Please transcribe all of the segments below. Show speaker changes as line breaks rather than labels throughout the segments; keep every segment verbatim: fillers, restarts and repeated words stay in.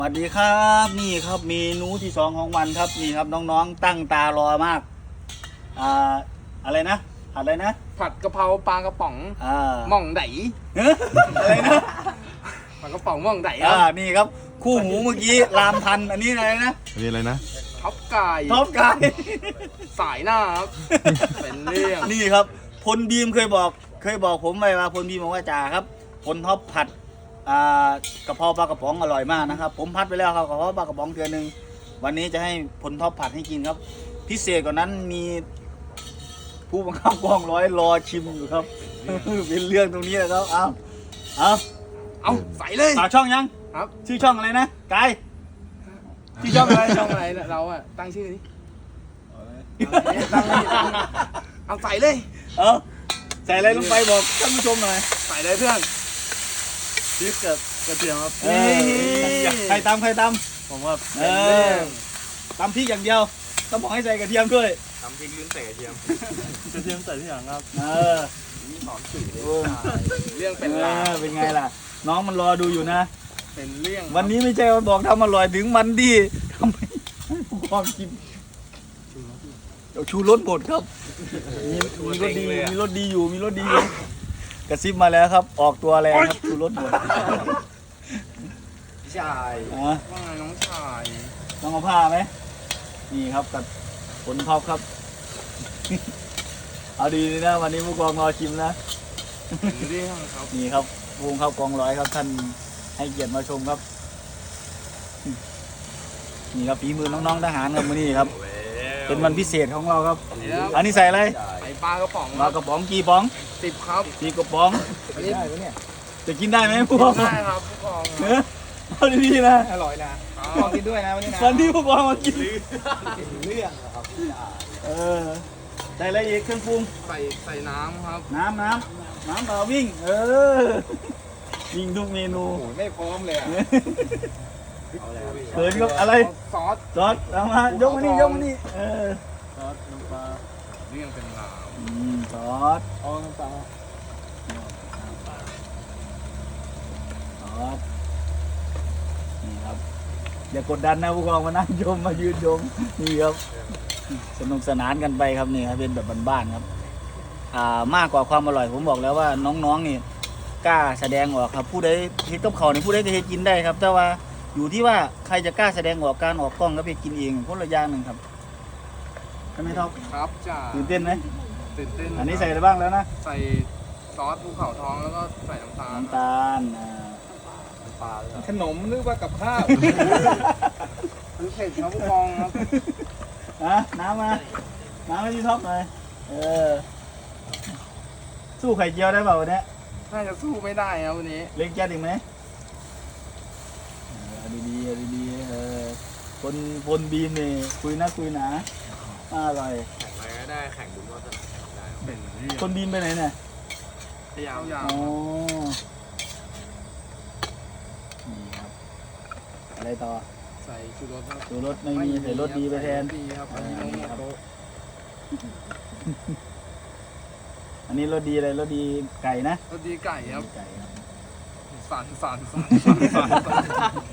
สวัสดีครับนี่ครับเมนูที่สองของวันครับนี่ครับน้องๆตั้งตารอมากอ่าอะไรนะผัดอะไรนะ
ผัดกะเพราปลากระป๋อง
อ่า
หม่องได
อะไรนะ
ปลากระป๋องหม่องไดค
อ่า
รับ
นี่ครับคู่หูเมื่อกี้รามพันธุ์อันนี้อะไรนะ
อันนี้อะไรนะ
ท็อปกาย
ท็อปกาย
สายหน้าครับเป็นเรื่อง
นี่ครับพลบีมเคยบอกเคยบอกผมไปว่าพลบีมบอกว่าจ่าครับพลท็อปผัดอ่ากระเพราปลากระป๋องอร่อยมากนะครับผมพัดไปแล้วครับกระเพราปลากระป๋องเทือนึงวันนี้จะให้พลท็อปผัดให้กินครับพิเศษกว่านั้นมีผู้บังคับกองร้อยรอชิมอยู่ครับ เป็นเรื่องตรงนี้แหละครับเอาเอา
เอาใส่เลย
ฝากช่องยัง
ครับ
ชื่อช่องอะไรนะกายชื่อช่องอะไร
ช่องอะไรเราอะตั้งชื่อนี้ตั้งให้ตั้งเอาใส่เลย
เออใส่อะไรลงไปบอกท่านผู้ชมหน่อย
ใส่เลยเพื่อน
พริกกับกระเทียมครับ
เฮ้ย
ใครตำใครต
ผมว่า
ำเอ
เป็นเรื่
อ
อง
ตำพริกอย่างเดียวต้องบอกให้ใส่กระเทียมด้วย
ทำพริกลิ้นใส่กระเทียม
กระเทียมใส่ที่หลังครับเออ
นี่สอนสื่อเลย
โอ้
เรื่องเป็น
เอ
ราว
อเป็นไงล่ะ น้องมันรอดูอยู่นะ
เป็นเรื่อง
วันนี้ไม่ใช่ว่าบอกทำอร่อยถึงมันดีทำไมให้ผู้ความกินเดี๋ยวชูรสหมดครับมีมีรสดีมีรสดีอยู่มีรสดีอยู่กระซิบมาแล้วครับ ออกตัวแล้วครับชูรสหมด
ชาย
อ่ะ
ว่าไงน้องชาย
ต้องเอาผ้าไหมนี่ครับกับผลท็อปครับ เอาดีนะวันนี้ผู้กองรอชิมนะ
เป็นเรื่องครับ
นี่ครับวงเข้ากองร้อยครับท่านให้เกียรติมาชมครับ นี่ครับฝีมือน้องๆทหารครับมื้อนี้ครับ เป็นวันพิเศษของเราครับ อันนี้ใส่อะไร
ใส่ปลากระป๋อง
ปลากระป๋องกี่ป๋อง
สิบครับ
กี่กระป๋อง
อันนี้
จะกินได้ไหมผู้กอง
ได้ครับผู้กอง
เนื้อเอาดีๆนะ
อร่อยนะผู้กองกินด้วยนะวันนี้นะ
วันที่ผู้กองมากิน
เรื่องครับ
เออใส่อะไรอีกเครื่องปรุง
ใส่ใส่น้ำครับ
น้ำน้ำน้ำเปล่าวิ่ง เออวิ่งทุกเมนู
โอ้ไม่พร้อมเลยอ่ะ
เขินกับอะไร
ซอส
ซอสเอามายกมานี่ยกมานี่เออ
ซอสน้ำปลาเรื่องเป็นราว
อืมซอส
เอาน้ำปลา
ซอสนี่ครับอย่ากดดันนะผู้กองมานั่งชมมายืนชมนี่ครับสนุกสนานกันไปครับนี่ครับเป็นแบบบ้านๆครับอ่ามากกว่าความอร่อยผมบอกแล้วว่าน้องๆนี่กล้าแสดงออกครับผู้ใดเฮ็ดกับเขาวนี่ผู้ใดก็เฮ็ดกินได้ครับ แต่ว่าอยู่ที่ว่าใครจะกล้าแสดงออกการออกกล้องก็ไปกินเองคนละอย่างหนึ่งครับใช่ไหมท็อป
ครับจ้า
ตื่นเต้นไหม
ตื่นเต้น
อันนี้ใส่อะไรบ้างแล้วนะ
ใส่ซอสภูเขาทองแล้วก็ใส่น้ำตาล
น้ำตาลอ่า
ปลาขนมหรือว่ากับข้าวหรือเผ็ดครับผู้กองครับ
อ่ะน้ำมาน้ำให้พี่ท็อปหน่อยเออสู้ไข่เจียวได้เปล่าวันนี้
น่าจะสู้ไม่ได้ครับวันนี้
เล็กแก๊สอีกไหมเอาดีๆเอาดีๆเออคนคนบีมนี่คุยนะคุยหนาอร่อย
แข่งอะไรก็ได้ แข่งบุญวาสนาแข่งได้
เป็นเรื่อง
คนบีมไปไหนเนี่ย
พยายามยาว
อ๋อนี่ครับอะไรต่อ
ใส่ชูรสครับ
สูรสไม่มีใส่รสดีไปแทน
ดีครับอันนี้
อ่านี่
น้อง
ครับ
โต๊ะ
อันนี้รสดีอะไรรสดีไก่นะ
รสดีไก่ครับ
ไก่ครับ
สั่นสั่นสั่นสั่นสั่นสั่น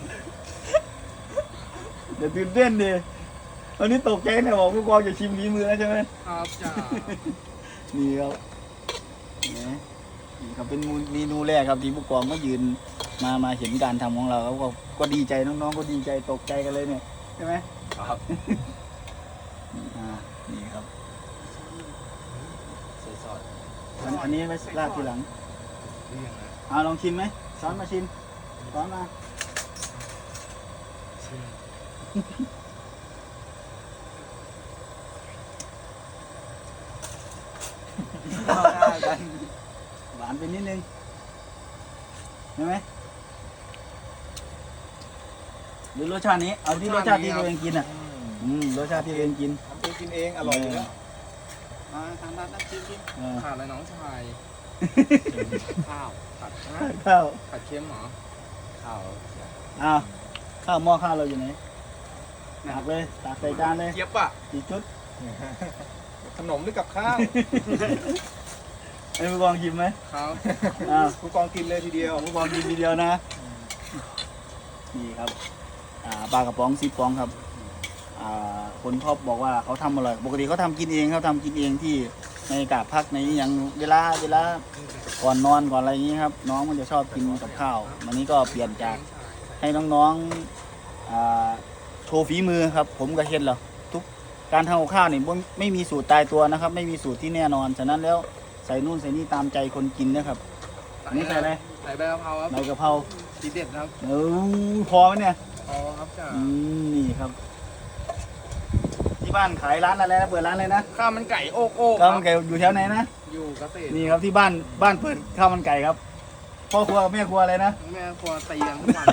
เดี๋ยวตื่นเต้นดิวันนี้ตกใจเนี่ยบอกผู้กองจะชิมฝีมือแล้วใช่ไหม
ครับจ้า
นี่ครับนี่นี่ครับเป็นเมนูแรกครับที่ผู้กองก็ยืนมามาเห็นการทำของเราเขาก็ก็ดีใจน้องๆก็ดีใจตกใจกันเลยเนี่ยใช่ไหม
ครับ
อ่านี่ครับ
ใส่ซอส
อันอันนี้ไว้ราดทีหลัง
เรื่องนะ
เอาลองชิมไหมช้อนมาชิมช้อนมาเข้าหน้ากันหวานไปนิดนึงใช่ไหมหรือรสชาตินี้เอาที่รสชาติที่ตัวเองกินอ่ะอืมรสชาติที่ตัวเองกิน
ทำเองกินเองอร่อยอยู่แล้ว
มาทานทานชิมชิม
ขาดอะไรน้องชายข้าวผัดนะ
ข้าว
ผัดเค็มเหรอข้าว
อ้าวข้าวหม้อข้าวเราอยู่ไหนตักเลยตักใส่จานเลย
เจี๊ยบอ่ะ
กี่ชุด
ขนมหรือกับข้าว
ไอ้ผู้กองชิมไหม
ครับ
อ้าว
ผู้กองกินเลยทีเดียว
ผู้กองกินทีเดียวนะนี่ครับอ่าปลากระป๋องสิบฟองครับอ่าคนชอบบอกว่าเขาทำอร่อยปกติเขาทำกินเองเขาทำกินเองที่ในกาบพักในอย่างเวลาเวลาก่อนนอนก่อนอะไรอย่างนี้ครับน้องมันจะชอบกินกับข้าววันนี้ก็เปลี่ยนจากให้น้องๆอ่าโชว์ฝีมือครับผมก็เห็นแล้วทุกการทำกับข้าวนี่บ่ไม่มีสูตรตายตัวนะครับ ไม่มีสูตรที่แน่นอนฉะนั้นแล้วใส่นู่นใส่นี่ตามใจคนกินนะครับอันนี้ใส่อะไร
ใส่ใบกะเพราครับ
ใบกะเพรา
ทีเด็ดครับ
เออพอไหมเนี่ย
พอครับจ้า
อืมนี่ครับ ที่บ้านขายร้านอะไรนะเปิดร้านอะไรนะ
ข้าวมันไก่โอ๊กโอ๊ก
ข้าวมันไก่อยู่แถวไหนนะ
อยู่เกษตร
นี่ครับที่บ้านบ้านเปิดข้าวมันไก่ครับพ่อครัวกับแม่ครัวอะไรนะ
แม่ครัวตีกันทุกวัน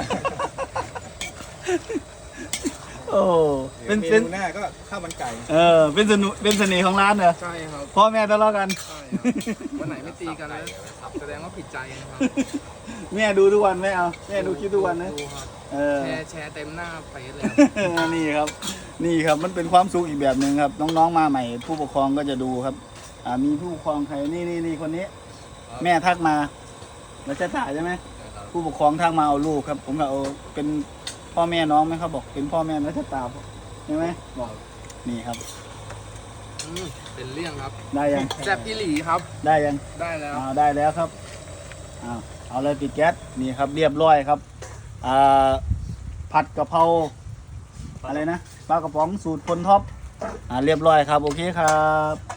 โอ้เป็น
เม
เป็น
นูหน้าก็ข้าวมันไก่
เออเป็นสนุเป็นเสน่ห์ของร้านเหรอ
ใช่ครับ
พ่อแม่ทะเลาะกัน
ใช่ครับวันไหนไม่ตีกันแล้วแสดงว่าผิดใจนะครับ
แม่ดูทุกวันไหมเอาแม่ดูคลิปทุกวันนะ
ดูครับ
เออ
แชร์แชร์เต็มหน้าเฟซเลยครับ
นี่ครับ นี่ครับมันเป็นความสุขอีกแบบหนึ่งครับ น้องๆมาใหม่ ผู้ปกครองก็จะดูครับ อ่ามีผู้ปกครองใครนี่นี่นี่คนนี้ แม่ทักมาแล้วจะถ่ายใช่ไหมผู้ปกครองทักมาเอาลูกครับ ผมก็เอาเป็นพ่อแม่น้องไหมครับบอกเป็นพ่อแม่แล้วจะตาใช่ไหมบอกนี่ครับ
อืมเป็นเรื่องครับ
ได้ยัง
แซ่บอีหลีครับ
ได้ยัง
ได้แล้ว
อ้าวได้แล้วครับอ้าวเอาเลยปิดแก๊สนี่ครับเรียบร้อยครับอ่าผัดกะเพราอะไรนะปลากระป๋องสูตรพลท็อปอ่าเรียบร้อยครับโอเคครับ